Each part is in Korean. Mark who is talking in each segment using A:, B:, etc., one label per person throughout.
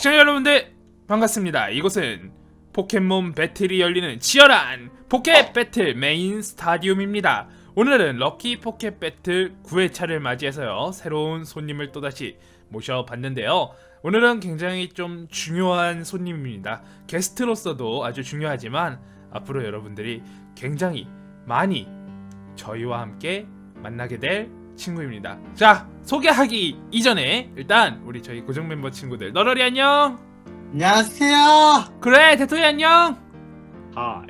A: 시청자 여러분들 반갑습니다. 이곳은 포켓몬 배틀이 열리는 치열한 포켓 배틀 메인 스타디움입니다. 오늘은 럭키 포켓 배틀 9회차를 맞이해서요, 새로운 손님을 또다시 모셔봤는데요. 오늘은 굉장히 좀 중요한 손님입니다. 게스트로서도 아주 중요하지만 앞으로 여러분들이 굉장히 많이 저희와 함께 만나게 될 친구입니다. 자, 소개하기 이전에 일단 우리 저희 고정 멤버 친구들, 너러리 안녕.
B: 안녕하세요.
A: 그래, 대토이 안녕.
C: 하이.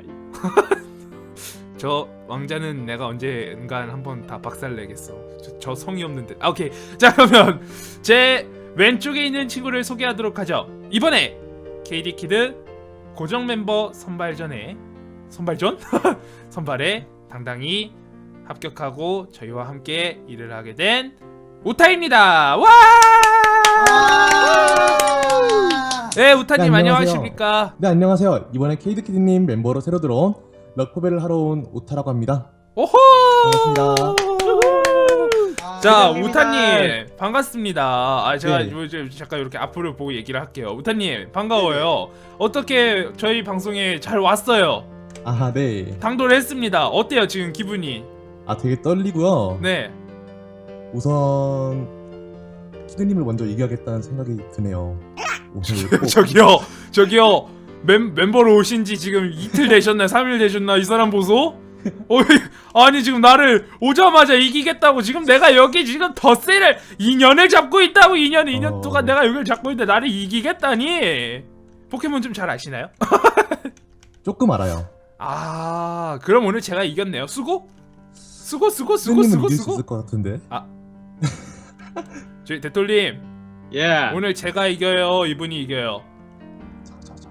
A: 저 왕자는 내가 언젠간 한번 다 박살내겠어. 저 성의 없는데. 아, 오케이. 자, 그러면 제 왼쪽에 있는 친구를 소개하도록 하죠. 이번에 KD키드 고정 멤버 선발전에 선발에 당당히 합격하고 저희와 함께 일을 하게 된 우타입니다. 와! 네, 우타님
D: 네,
A: 안녕하십니까?
D: 네, 안녕하세요. 이번에 KD키드님 멤버로 새로 들어온 럭포벨을 하러 온 우타라고 합니다.
A: 오호!
D: 반갑습니다.
A: 자,
B: 반갑습니다.
A: 우타님 반갑습니다. 제가
D: 네.
A: 잠깐 이렇게 앞으로 보고 얘기를 할게요. 우타님 반가워요. 어떻게 저희 방송에 잘 왔어요?
D: 아, 네.
A: 당도를 했습니다. 어때요 지금 기분이?
D: 아, 되게 떨리고요.
A: 네.
D: 우선 키드님을 먼저 이겨야겠다는 생각이 드네요. 오늘 꼭
A: 저기요 멤버로 오신지 지금 이틀 되셨나 3일 되셨나 이 사람 보소? 아니 지금 나를 오자마자 이기겠다고 지금 내가 여기 지금 덧세를 2년을 잡고 있다고. 2년 동안 내가 여기를 잡고 있는데 나를 이기겠다니. 포켓몬 좀 잘 아시나요?
D: 조금 알아요.
A: 아, 그럼 오늘 제가 이겼네요. 수고
D: 키드님은 이길 수 있을 것 같은데.
A: 저희 대톨님
C: 예.
A: 오늘 제가 이겨요, 이분이 이겨요?
D: 자.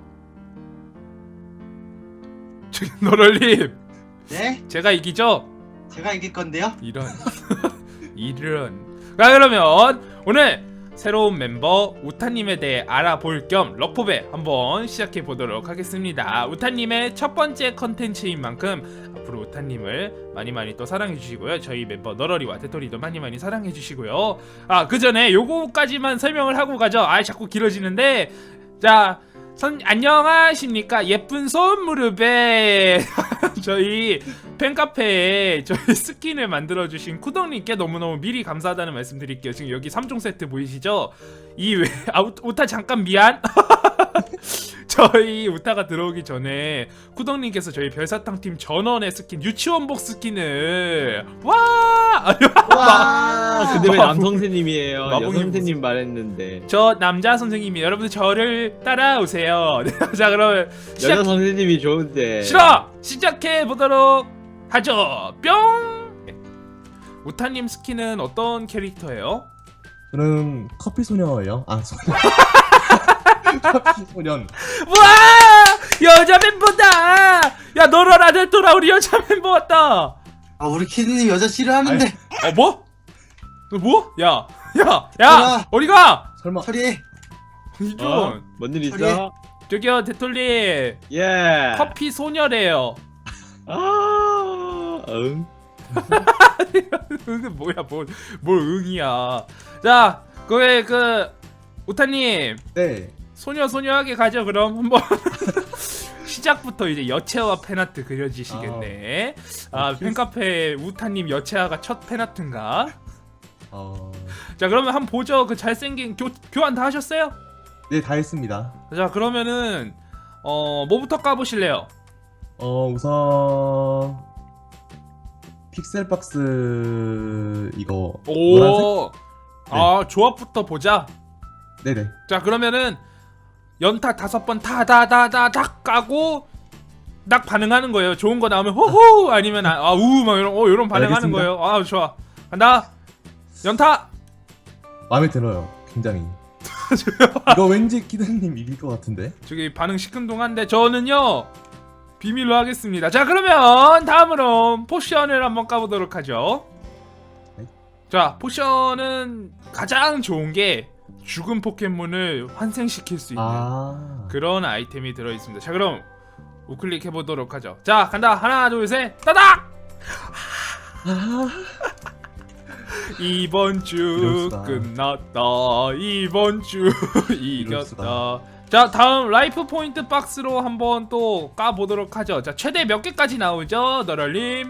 A: 저기 너럴님
B: 네,
A: 제가 이기죠?
B: 제가 이길 건데요.
A: 이런 자, 그러면 오늘 새로운 멤버 우타님에 대해 알아볼 겸 럭포배 한번 시작해 보도록 하겠습니다. 우타님의 첫 번째 컨텐츠인 만큼 앞으로 우타님을 많이 또 사랑해 주시고요. 저희 멤버 너러리와 테토리도 많이 사랑해 주시고요. 그 전에 요거까지만 설명을 하고 가죠. 자꾸 길어지는데. 자, 안녕하십니까 예쁜 손무릎에 저희 팬카페에 저희 스킨을 만들어주신 쿠덕님께 너무너무 미리 감사하다는 말씀 드릴게요. 지금 여기 3종 세트 보이시죠? 우타 잠깐 미안. 저희 우타가 들어오기 전에 쿠덕님께서 저희 별사탕팀 전원의 스킨, 유치원복 스킨을
B: 와,
C: 근데 왜 남성 선생님이에요?
A: 마법이
C: 여성 선생님 말했는데.
A: 저 남자 선생님이 여러분들 저를 따라오세요. 자, 그러면
C: 여자 선생님이 좋은데.
A: 싫어! 시작해 보도록 하죠. 뿅! 우타님 스킨은 어떤 캐릭터예요?
D: 저는 커피 소녀예요. 커피 소년.
A: 와! 여자 멤버다! 야, 너라 대토라 우리 여자 멤버 왔다.
B: 우리 키드님 여자 싫어하는데.
A: 뭐? 너 뭐? 야,
B: 야!
A: 어디가?
D: 설마
B: 소리.
A: 이준.
C: 뭔 일 있어?
B: 소리.
A: 저기요, 대톨님.
C: 예.
A: 커피 소녀래요.
C: 응.
A: 응은 뭐야, 뭘 응이야. 자, 우타님.
D: 네.
A: 소녀하게 가죠. 그럼 한번 시작부터 이제 여체와 팬아트 그려지시겠네. 팬카페 우타님 여체화가 첫 팬아트인가? 자, 그러면 한번 보죠. 그 잘생긴 교환 다 하셨어요?
D: 네, 다 했습니다.
A: 자, 그러면은 뭐부터 까보실래요?
D: 우선 픽셀박스 이거
A: 오,
D: 노란색?
A: 조합부터 보자.
D: 네네.
A: 자, 그러면은 연타 5번 다 까고 딱 반응하는 거예요. 좋은 거 나오면 호호, 아니면 막 이런 반응하는
D: 알겠습니다.
A: 거예요. 좋아. 간다. 연타.
D: 마음에 들어요. 굉장히. 이거 왠지 키드님 이길 것 같은데.
A: 저기 반응 시큰둥한데 저는요 비밀로 하겠습니다. 자, 그러면 다음으로 포션을 한번 까보도록 하죠.
D: 네.
A: 자, 포션은 가장 좋은 게 죽은 포켓몬을 환생시킬 수 있는 그런 아이템이 들어있습니다. 자, 그럼 우클릭 해보도록 하죠. 자, 간다. 하나 둘 셋 따닥. 이번 주
D: 이럴 수가.
A: 끝났다. 이번 주
D: 이럴
A: 이겼다.
D: 수가.
A: 자, 다음 라이프 포인트 박스로 한번 또 까보도록 하죠. 자, 최대 몇 개까지 나오죠, 너럴님?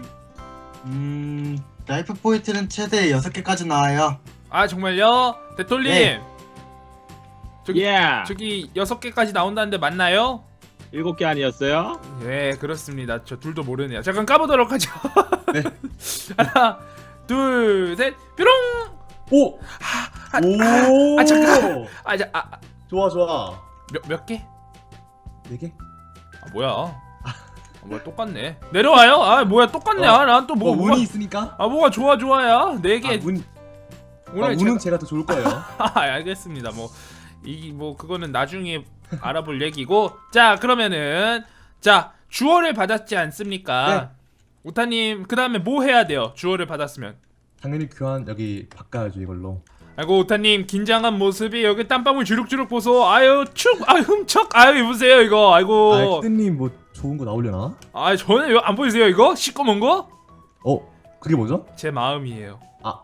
B: 라이프 포인트는 최대 6개까지 나와요.
A: 아, 정말요? 대톨님,
B: 네.
A: 저기
C: 예.
A: 저기 6개까지 나온다는데 맞나요?
C: 7개 아니었어요?
A: 네, 그렇습니다. 저 둘도 모르네요. 자, 그럼 까보도록 하죠.
D: 네.
A: 하나, 둘, 셋, 뾰롱!
D: 오! 오!
A: 잠깐.
D: 좋아 좋아.
A: 몇 개?
D: 4개?
A: 아, 뭐야? 뭐야, 똑같네. 내려와요? 아, 뭐야, 똑같네. 아, 난 또 뭐,
D: 운이
A: 뭐가,
D: 있으니까?
A: 아, 뭐가 좋아야? 4개.
D: 운은 제가 더 좋을 거예요.
A: 알겠습니다. 뭐 그거는 나중에 알아볼 얘기고. 자, 그러면은 자, 주어를 받았지 않습니까?
D: 네.
A: 우타님, 그 다음에 뭐 해야 돼요? 주어를 받았으면.
D: 당연히 교환 여기 바꿔야죠 이걸로.
A: 아이고, 우타님 긴장한 모습이 여기 땀방울 주룩주룩 보소. 아유, 흠척. 아유, 보세요 이거. 아이고.
D: 아 키드님 뭐 좋은 거 나오려나?
A: 아, 저는 이거 안 보이세요 이거? 시꺼먼 거?
D: 그게 뭐죠?
A: 제 마음이에요.
D: 아.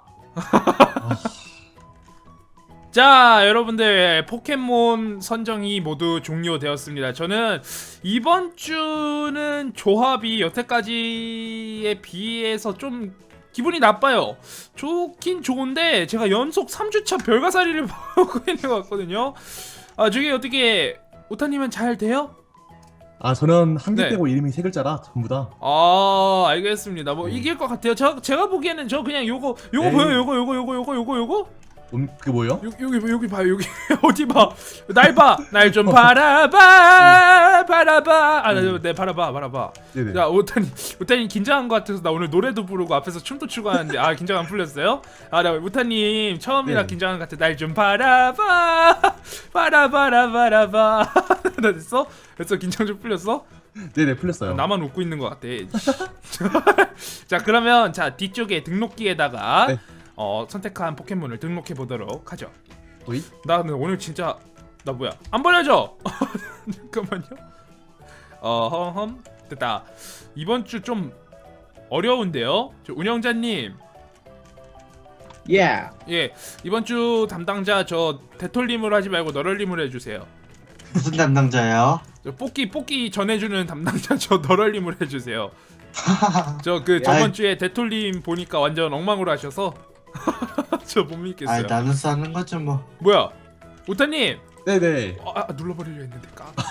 A: 자, 여러분들 포켓몬 선정이 모두 종료되었습니다. 저는 이번 주는 조합이 여태까지에 비해서 좀 기분이 나빠요. 좋긴 좋은데 제가 연속 3주차 별가사리를 보고 있는 것 같거든요. 아, 저게 어떻게 오타님은 잘 돼요?
D: 아 저는 한 개
A: 네.
D: 빼고 이름이 3글자라 전부 다.
A: 아, 알겠습니다. 뭐
D: 네.
A: 이길 것 같아요. 제가 보기에는 저 그냥 요거
D: 에이.
A: 보여요. 요거.
D: 그게 뭐예요?
A: 여기 봐요. 여기 어디 봐. 날 좀 바라봐. 네, 바라봐.
D: 네네.
A: 야, 오타님 긴장한 것 같아서 나 오늘 노래도 부르고 앞에서 춤도 추고 하는데 긴장 안 풀렸어요? 나 오타님 처음이라
D: 네.
A: 긴장한 것 같아. 날 좀 바라봐. 나 됐어? 긴장 좀 풀렸어?
D: 네네 풀렸어요.
A: 나만 웃고 있는 것 같아. 자, 그러면 뒤쪽에 등록기에다가
D: 네.
A: 선택한 포켓몬을 등록해 보도록 하죠.
D: 오이?
A: 나는 오늘 진짜 나 뭐야? 안 버려져. 잠깐만요. 됐다. 이번 주 좀 어려운데요. 저 운영자님.
C: 예.
A: 예, 이번 주 담당자 저 대톨님으로 하지 말고 너럴님으로 해주세요.
B: 무슨 담당자예요?
A: 저 뽑기 전해주는 담당자 저 너럴님으로 해주세요. 저
B: 아이.
A: 저번 주에 대톨님 보니까 완전 엉망으로 하셔서 저 못 믿겠어요.
B: 나눠서 하는 거죠 뭐.
A: 뭐야, 오타님.
D: 네네.
A: 눌러버리려 했는데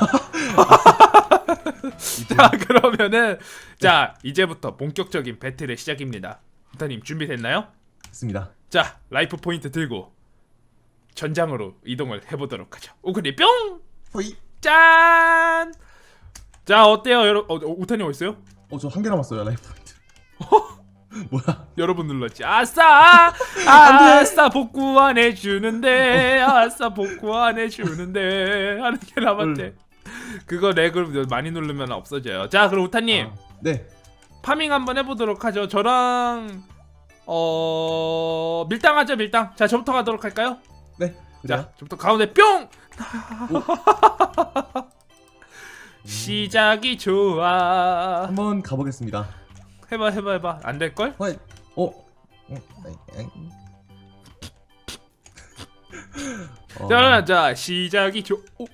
A: 자, 그러면은 자, 이제부터 본격적인 배틀의 시작입니다. 오타님 준비됐나요?
D: 됐습니다.
A: 자, 라이프 포인트 들고 전장으로 이동을 해보도록 하죠. 오크리 뿅!
D: 호이.
A: 짠! 자, 어때요 여러분? 오타님 어딨어요?
D: 저 한 개 남았어요 라이프. 뭐야?
A: 여러분 눌렀지. 아싸! 아싸 복구 안 해주는데 하는 게 남았대. 그거 렉을 많이 누르면 없어져요. 자, 그럼 우타님
D: 네.
A: 파밍 한번 해보도록 하죠. 저랑 밀당 하죠. 밀당. 자, 저부터 가도록 할까요?
D: 네. 그래요?
A: 자, 저부터 가운데 뿅! 시작이 좋아.
D: 한번 가보겠습니다.
A: 해봐. 안 될걸? 자, 시작이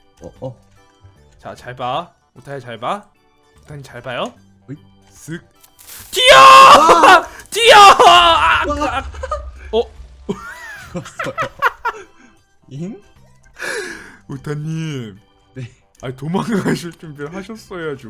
A: 자, 잘 봐. 우타야 잘 봐. 우타님 잘 봐요.
D: 어이?
A: 쓱. 튀어! 튀어!
D: 잉?
A: 우타님.
D: 네.
A: 도망가실 준비를 하셨어야죠.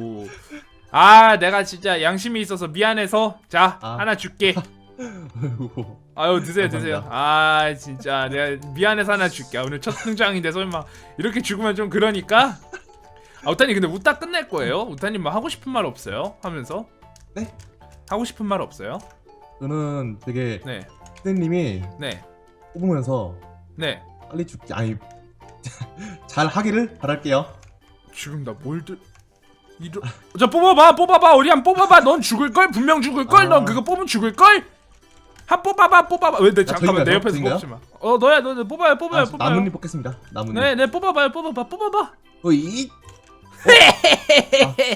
A: 내가 진짜 양심이 있어서 미안해서 자, 하나 줄게. 아유, 드세요. 진짜 내가 미안해서 하나 줄게. 오늘 첫 등장인데 설마 이렇게 죽으면 좀 그러니까. 우타님 근데 웃다 끝낼 거예요? 우타님 뭐 하고 싶은 말 없어요? 하면서?
D: 네?
A: 하고 싶은 말 없어요?
D: 저는 되게
A: 네.
D: 키드님이
A: 네.
D: 뽑으면서 빨리 죽지 잘 하기를 바랄게요.
A: 지금 나 자, 뽑아봐. 우리 한 뽑아봐. 넌 죽을걸? 분명 죽을걸? 넌 그거 뽑으면 죽을걸? 한 뽑아봐. 왜, 잠깐만, 내 옆에서
D: 저인가요?
A: 뽑지 마. 너야. 뽑아요.
D: 나뭇잎 뽑겠습니다. 나뭇잎.
A: 네, 뽑아봐.
D: 오이.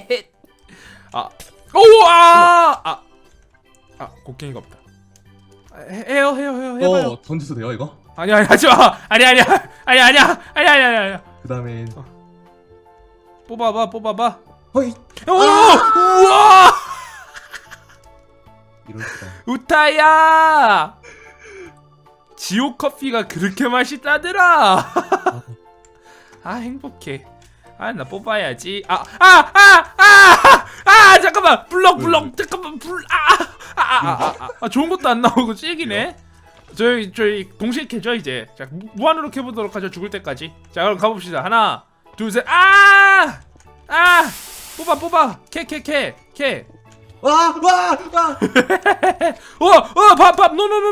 A: 오와! 곡괭이가 없다. 해요 해봐요.
D: 던져도 돼요 이거?
A: 아니 하지마. 아니야.
D: 그 다음에
A: 뽑아봐.
D: 허이
A: 오! 우와!
D: 이럴 수가.
A: 우타야! 지옥 커피가 그렇게 맛있다더라. 아 행복해. 아 나 뽑아야지. 잠깐만 블럭 잠깐만 좋은 것도 안 나오고 찔기네. 저희 동시에 캐죠 이제. 자 무한으로 캐보도록 하죠. 죽을 때까지. 자 그럼 가봅시다. 하나 둘 셋. 뽑아 캐.
D: 와!
A: 밥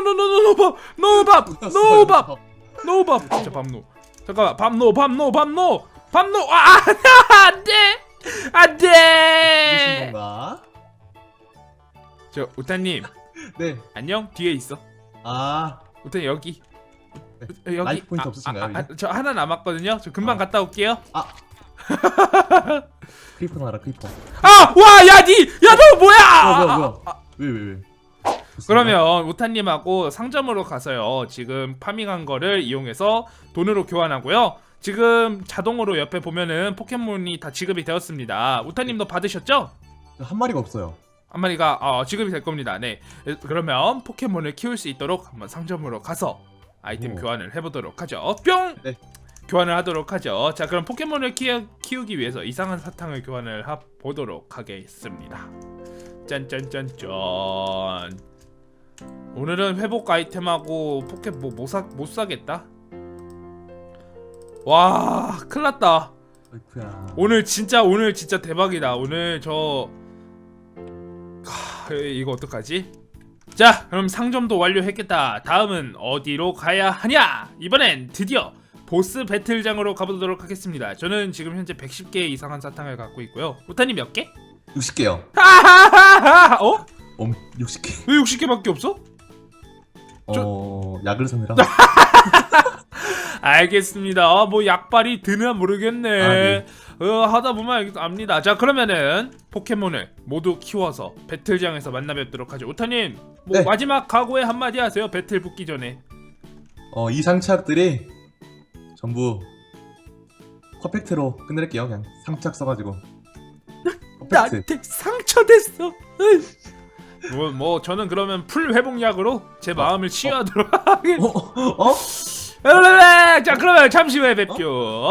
A: 노밥. 진짜 밥 노. 잠깐만 밥 노. 안돼.
D: 무슨 건가?
A: 저 우타님
D: 네.
A: 안녕. 뒤에 있어.
D: 아,
A: 우타님 여기.
D: 네. 라이프 포인트 없으신가요? 이제?
A: 저 하나 남았거든요. 저 금방 갔다 올게요.
D: 크리퍼 나라 크리퍼.
A: 너 뭐야?
D: 뭐야? 왜?
A: 그러면 우타님하고 상점으로 가서요. 지금 파밍한 거를 이용해서 돈으로 교환하고요. 지금 자동으로 옆에 보면은 포켓몬이 다 지급이 되었습니다. 우타님도 받으셨죠?
D: 한 마리가 없어요.
A: 한 마리가 지급이 될 겁니다. 네. 그러면 포켓몬을 키울 수 있도록 한번 상점으로 가서 아이템
D: 오.
A: 교환을 해보도록 하죠. 뿅!
D: 네.
A: 교환을 하도록 하죠. 자 그럼 포켓몬을 키우기 위해서 이상한 사탕을 교환을 보도록 하겠습니다. 짠짠짠짠. 오늘은 회복 아이템하고 포켓몬 못 사겠다. 와 큰일났다.
D: 아이쿠야.
A: 오늘 진짜 대박이다. 오늘 이거 어떡하지? 자 그럼 상점도 완료했겠다. 다음은 어디로 가야 하냐? 이번엔 드디어 보스 배틀장으로 가보도록 하겠습니다. 저는 지금 현재 110개 이상한 사탕을 갖고 있고요. 우타님 몇 개?
D: 60개요.
A: 하하하하!
D: 60개.
A: 왜 60개밖에 없어?
D: 약을 사느라.
A: 알겠습니다. 뭐 약발이 드나 모르겠네.
D: 아, 네.
A: 하다 보면 압니다. 자 그러면은 포켓몬을 모두 키워서 배틀장에서 만나 뵙도록 하죠. 우타님 뭐
D: 네.
A: 마지막 각오에 한마디 하세요. 배틀 붙기 전에.
D: 이 상착들이 전부 퍼펙트로 끝낼게요. 그냥 상착 써가지고. 퍼펙트.
A: 나한테 상처됐어. 뭐 저는 그러면 풀 회복약으로 제 마음을 치유하도록 하겠습니다. 자 그러면 잠시 후에 뵙죠.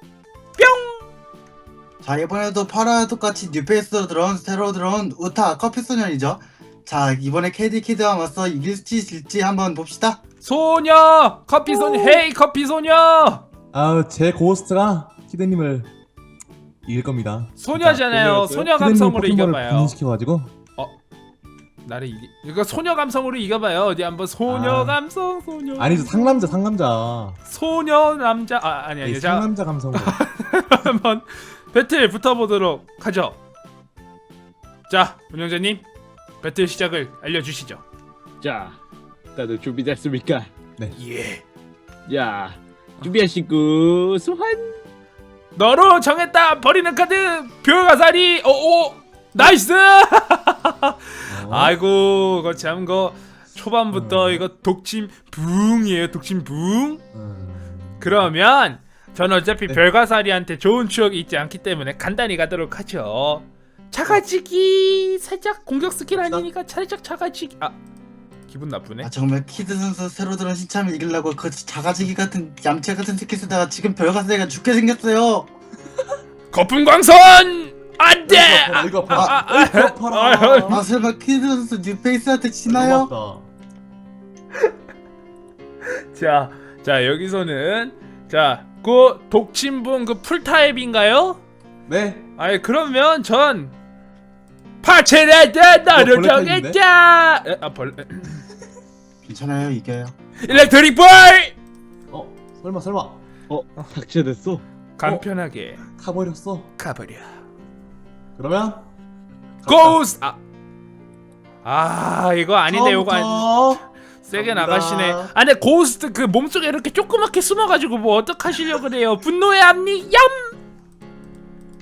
B: 자 이번에도 파라와 똑같이 뉴페이스로 들어온 새로 들어온 우타 커피 소년이죠. 자 이번에 KD 키드와 맞서 이길지 질지 한번 봅시다.
A: 소녀 커피 소녀. 헤이 커피 소녀.
D: 제 고스트가 키드님을 이길 겁니다.
A: 소녀잖아요. 소녀 감성으로 이겨봐요.
D: 분신시켜가지고.
A: 나를 이거 소녀 감성으로 이겨봐요. 어디 한번 소녀 감성 소녀.
D: 아니죠, 상남자.
A: 소녀 남자 아니야.
D: 네,
A: 자
D: 상남자 감성으로.
A: 한번 배틀 붙어보도록 하죠. 자 운영자님 배틀 시작을 알려주시죠.
C: 자, 다들 준비됐습니까?
A: 예.
C: 자, 준비하시고 소환.
A: 너로 정했다. 버리는 카드 별가사리. 오 나이스. 아이고 그거 참 초반부터 이거 독침 붕이에요. 독침 붕. 그러면 전 어차피
D: 네.
A: 별가사리한테 좋은 추억이 있지 않기 때문에 간단히 가도록 하죠. 차가지기 살짝 공격 스킬 아니니까 살짝 차가지기. 기분 나쁘네.
B: 정말 키드 선수 새로 들어온 신참을 이기려고 그 자가지기 같은 얌체 같은 스킬 쓰다가 지금 별가사리가 죽게 생겼어요.
A: 거품 광선 안돼.
D: 이거 아파라.
B: 설마 키드 선수 뉴페이스한테 지나요?
A: 자 여기서는 그 독침분 그 풀타입인가요?
D: 네.
A: 그러면 전 파체레드 너를
D: 벌레 타입인데?
A: 정했다.
B: 괜찮아요 이겨요.
A: 일렉트릭 볼.
D: 설마.
C: 삭제됐어.
A: 간편하게
D: 가버렸어.
A: 가버려.
D: 그러면
A: 고스. 이거 아닌데 요거
D: 처음부터
A: 세게
D: 갑니다.
A: 나가시네. 근데 고스트 그 몸속에 이렇게 조그맣게 숨어가지고 뭐 어떡하시려고 그래요. 분노의 압력 얌.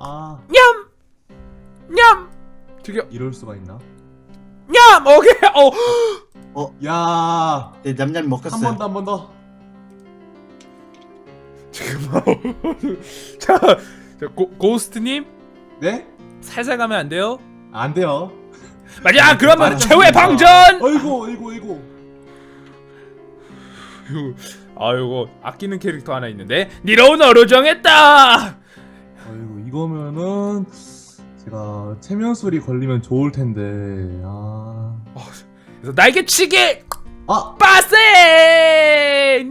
A: 냠! 저기요.
D: 이럴 수가 있나?
A: 냠! 오케이.
D: 야,
B: 네, 냠냠 먹혔어요.
D: 한 번 더.
A: 잠깐만. 자, 고스트님
D: 네?
A: 살살 가면 안 돼요?
D: 안 돼요.
A: 맞아. 그러면
D: 아,
A: 최후의 방전.
D: 어이구.
A: 아이고 아끼는 캐릭터 하나 있는데 니로 너로 정했다.
D: 어이구, 이거면은 제가 체면술이 걸리면 좋을 텐데.
A: 그래서 날개치기
D: 아,
A: 빠세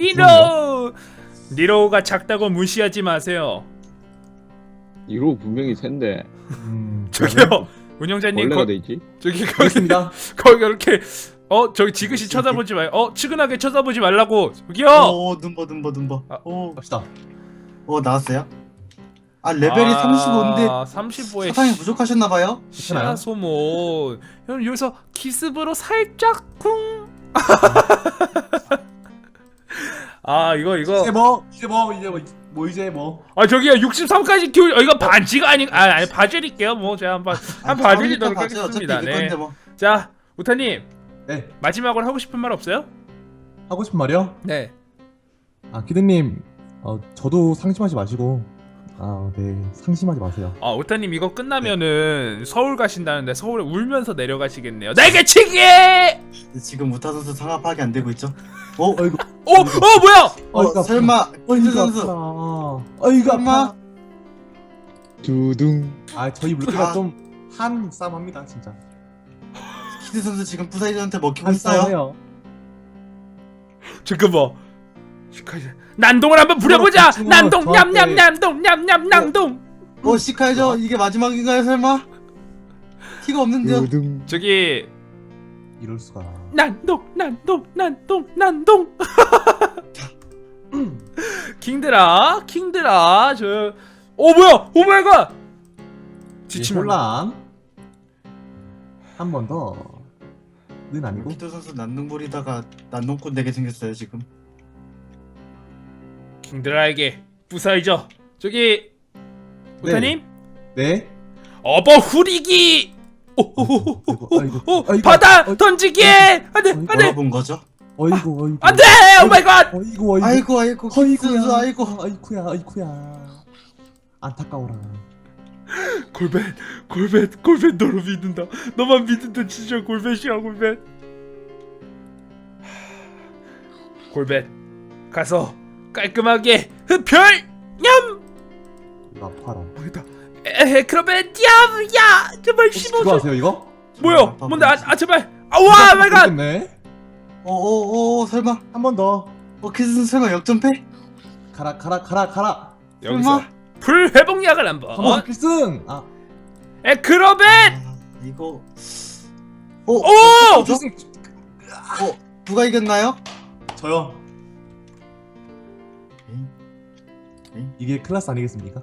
A: 니로가 작다고 무시하지 마세요.
C: 이로 분명히 센데
A: 저기요 운영자님
C: 원래가 돼 있지?
A: 저기 거기
D: 알겠습니다.
A: 거기 이렇게 저기 지그시 쳐다보지 마요. 측은하게 쳐다보지 말라고. 저기요.
B: 오, 눈버.
A: 아.
B: 오,
D: 갑시다.
B: 나왔어요? 아, 레벨이 35인데
A: 35에
B: 사탕이 부족하셨나봐요?
A: 시야 소모. 형 여기서 기습으로 살짝 쿵. 이거
D: 이제 뭐.
A: 저기요 63까지 키우. 이거 반지가 아니 봐드릴게요. 뭐 제가 한번 봐드리도록 하겠습니다.
B: 어차피
A: 네.
B: 건데 뭐.
A: 자 우타님
D: 네,
A: 마지막으로 하고 싶은 말 없어요?
D: 하고 싶은 말이요?
A: 네.
D: 기대님, 저도 상심하지 마시고, 네, 상심하지 마세요.
A: 우타님 이거 끝나면은 서울 가신다는데 서울에 울면서 내려가시겠네요. 날개치기!
B: 지금 우타 선수 상하 파악이 안 되고 있죠?
D: 어이구,
A: 뭐야?
B: 설마 퀴즈 선수
D: 어이구,
B: 설마
C: 두둥.
D: 저희 물개가 좀 한 싸움합니다, 진짜.
B: 퀴즈 선수 지금 부사이전한테 먹히고
D: 한
B: 있어요?
D: 싸움해요.
A: 잠깐만. 난동을 한번 부려보자.
D: 지금
A: 난동
D: 저한테-
A: 냠냠냠냠냠냠.
B: 시카이죠? 이게 마지막인가요 설마? 티가 없는데요?
C: 두둥.
A: 저기
D: 이럴 수가.
A: 난동. 킹드라 뭐야? 오 마이 갓. 지치면
D: 혼란. 한 번 더는 아니고.
B: 퀴즈 선수 난동 부리다가 난동꾼 되게 생겼어요 지금.
A: 킹드라에게 부사이죠. 저기 우타님
D: 네.
A: 어버 후리기.
D: 아이고.
A: 바다 던지기. 안돼
B: 뭐라본 거죠?
D: 어이구.
A: 안돼. 오 마이 갓.
D: 어이구.
B: 아이고 퀴즈 선수 아이고.
D: 아이쿠야. 안타까워라.
A: 골벳 너를 믿는다. 너만 믿는다. 진짜 골벳이야. 골벳 가서 깔끔하게 흡혈 냠.
D: 이거 아파라.
A: 여기다. 그러면 야 제발
D: 혹시 그거
A: 15초.
D: 아세요 이거?
A: 뭐야? 뭔데? 제발. 와 마이 갓.
D: 네.
B: 설마
D: 한 번 더.
B: 퀴즈 선수 설마 역전패?
D: 가라.
A: 여기서 불 회복약을 한번.
D: 한번 필승.
A: 그러면
B: 이거
A: 오!
D: 필승.
B: 누가 이겼나요?
D: 저요. 이게 클라스 아니겠습니까?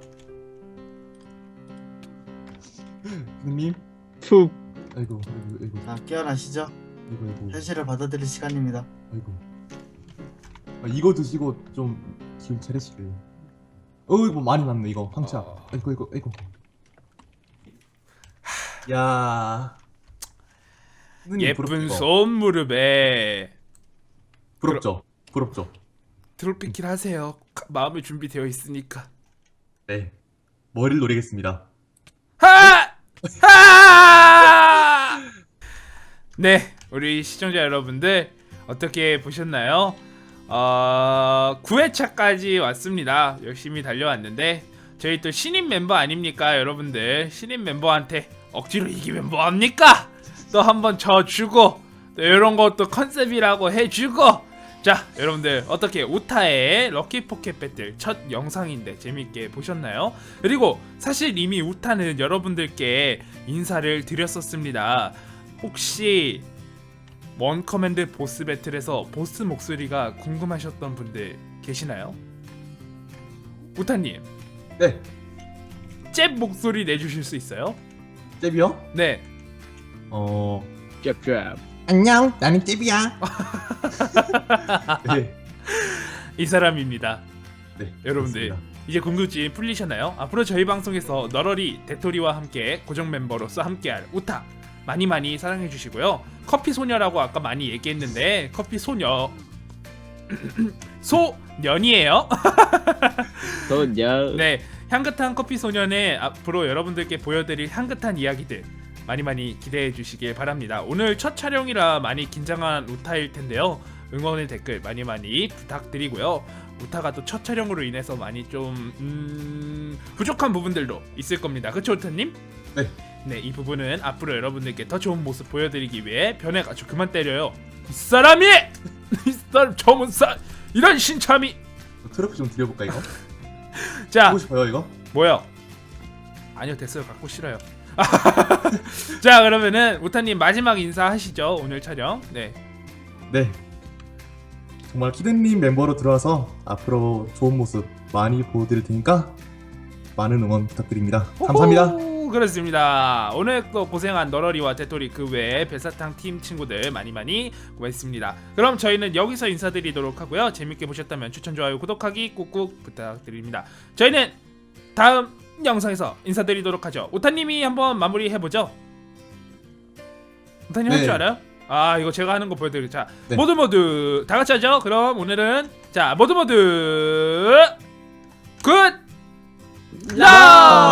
D: 선생님.
C: 푹.
D: 아이고.
B: 자 깨어나시죠.
D: 아이고.
B: 현실을 받아들일 시간입니다.
D: 아이고. 이거 드시고 좀 기운 차리시길. 이거 많이 났네 이거 황차. 아이고. 야. 선생님,
A: 예쁜
D: 부럽죠?
A: 손 무릎에
D: 부럽죠.
A: 드롭킥킬 하세요. 마음의 준비되어 있으니까.
D: 네. 머리를 노리겠습니다.
A: 하! 네, 우리 시청자 여러분들 어떻게 보셨나요? 9회차까지 왔습니다. 열심히 달려왔는데 저희 또 신인 멤버 아닙니까 여러분들. 신인 멤버한테 억지로 이기면 뭐합니까? 또 한번 져주고 또 이런 것도 컨셉이라고 해주고. 자 여러분들 어떻게 우타의 럭키 포켓 배틀 첫 영상인데 재밌게 보셨나요? 그리고 사실 이미 우타는 여러분들께 인사를 드렸었습니다. 혹시 원 커맨드 보스 배틀에서 보스 목소리가 궁금하셨던 분들 계시나요? 우타님
D: 네.
A: 잽 목소리 내주실 수 있어요?
D: 잽이요?
A: 네.
C: 짭짭.
D: 안녕, 나는 잽이야. 네.
A: 이 사람입니다.
D: 네.
A: 여러분들
D: 그렇습니다.
A: 이제 궁금증이 풀리셨나요? 앞으로 저희 방송에서 너러리 대토리와 함께 고정 멤버로서 함께할 우타 많이 많이 사랑해 주시고요. 커피 소녀라고 아까 많이 얘기했는데 커피 소녀 소년이에요.
C: 소녀.
A: 네, 향긋한 커피 소년의 앞으로 여러분들께 보여드릴 향긋한 이야기들 많이 많이 기대해 주시길 바랍니다. 오늘 첫 촬영이라 많이 긴장한 우타일 텐데요. 응원의 댓글 많이 많이 부탁드리고요. 우타가 또 첫 촬영으로 인해서 많이 좀 부족한 부분들도 있을 겁니다. 그쵸 우타님?
D: 네.
A: 네, 이 부분은 앞으로 여러분들께 더 좋은 모습 보여드리기 위해 변해가지고 그만 때려요. 이 사람이! 이 사람 저문사 이런 신참이!
D: 트로피 좀 드려볼까 이거?
A: 자,
D: 보고 싶어요 이거?
A: 뭐요? 아니요, 됐어요. 갖고 싫어요. 자, 그러면은 우타님 마지막 인사하시죠. 오늘 촬영. 네.
D: 네. 정말 키드님 멤버로 들어와서 앞으로 좋은 모습 많이 보여드릴 테니까 많은 응원 부탁드립니다. 감사합니다.
A: 호호, 그렇습니다. 오늘 또 고생한 너러리와 대토리 그 외에 별사탕 팀 친구들 많이 많이 고맙습니다. 그럼 저희는 여기서 인사드리도록 하고요. 재밌게 보셨다면 추천, 좋아요, 구독하기 꾹꾹 부탁드립니다. 저희는 다음 영상에서 인사드리도록 하죠. 우타님이 한번 마무리 해보죠. 우타님 할 줄
D: 네.
A: 알아요? 아, 이거 제가 하는 거 보여드릴게요. 자,
D: 네.
A: 모두 다 같이 하죠. 그럼 오늘은 자 모두 굿 라